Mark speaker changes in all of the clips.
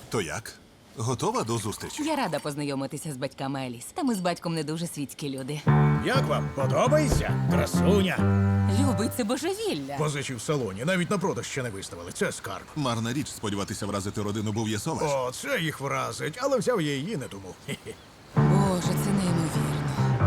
Speaker 1: То як? Готова до зустрічі?
Speaker 2: Я рада познайомитися з батьками Еліс. Та ми з батьком не дуже світські люди.
Speaker 3: Як вам? Подобається? Красуня.
Speaker 2: Любить це божевілля.
Speaker 3: Позичі в салоні, навіть на продаж ще не виставили. Це скарб.
Speaker 1: Марна річ сподіватися вразити родину Бов'єсоваш.
Speaker 3: О, це їх вразить, але взяв я її не тому. Хе-хе.
Speaker 2: Боже, це неймовірно.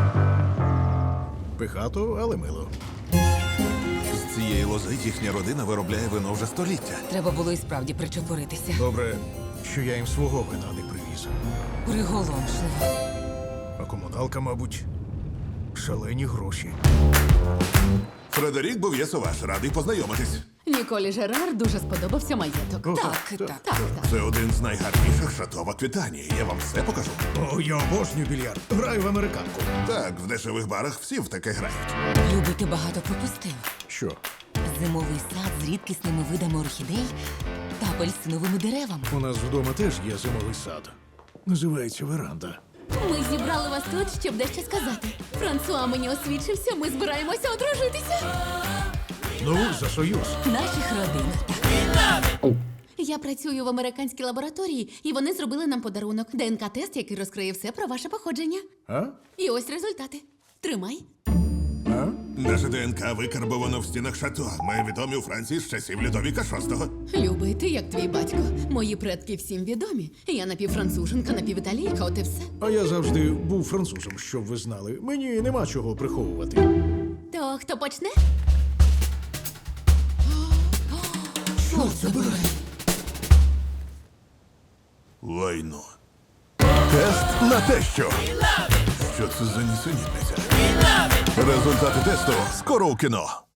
Speaker 3: Пихато, але мило.
Speaker 1: З цієї лози їхня родина виробляє вино вже століття.
Speaker 2: Треба було і справді причепуритися.
Speaker 3: Добре, що я їм свого вина не привіз.
Speaker 2: Приголомшливо.
Speaker 3: А комуналка, мабуть, шалені гроші.
Speaker 1: Фредерік Бов'єсоваш, радий познайомитись.
Speaker 4: Ніколі Жерар дуже сподобався маєток.
Speaker 3: О,
Speaker 2: Так.
Speaker 1: Це один з найгарніших шато в Аквітанії. Я вам все покажу.
Speaker 3: О, я обожнюю більярд. Граю в американку.
Speaker 1: Так, в дешевих барах всі в таке грають.
Speaker 2: Любий, ти багато пропустив.
Speaker 3: Що?
Speaker 2: Зимовий сад з рідкісними видами орхідей та апельсиновими деревами.
Speaker 3: У нас вдома теж є зимовий сад. Називається веранда.
Speaker 4: Ми зібрали вас тут, щоб дещо сказати. Франсуа мені освідчився, ми збираємося одружитися.
Speaker 3: Ну, за союз.
Speaker 2: Наших родин. Так.
Speaker 4: Я працюю в американській лабораторії, і вони зробили нам подарунок. ДНК-тест, який розкриє все про ваше походження.
Speaker 3: А?
Speaker 4: І ось результати. Тримай.
Speaker 3: А?
Speaker 1: Наше ДНК викарбовано в стінах шато. Ми відомі у Франції з часів Людовіка VI.
Speaker 4: Любий, ти як твій батько. Мої предки всім відомі. Я напівфранцуженка, напівіталійка, от і все.
Speaker 3: А я завжди був французом, щоб ви знали. Мені нема чого приховувати.
Speaker 4: То хто почне?
Speaker 2: Що це було?
Speaker 1: Лайно. Тест на те, що. Що це за нісенітниця? Результати тесту скоро у кіно.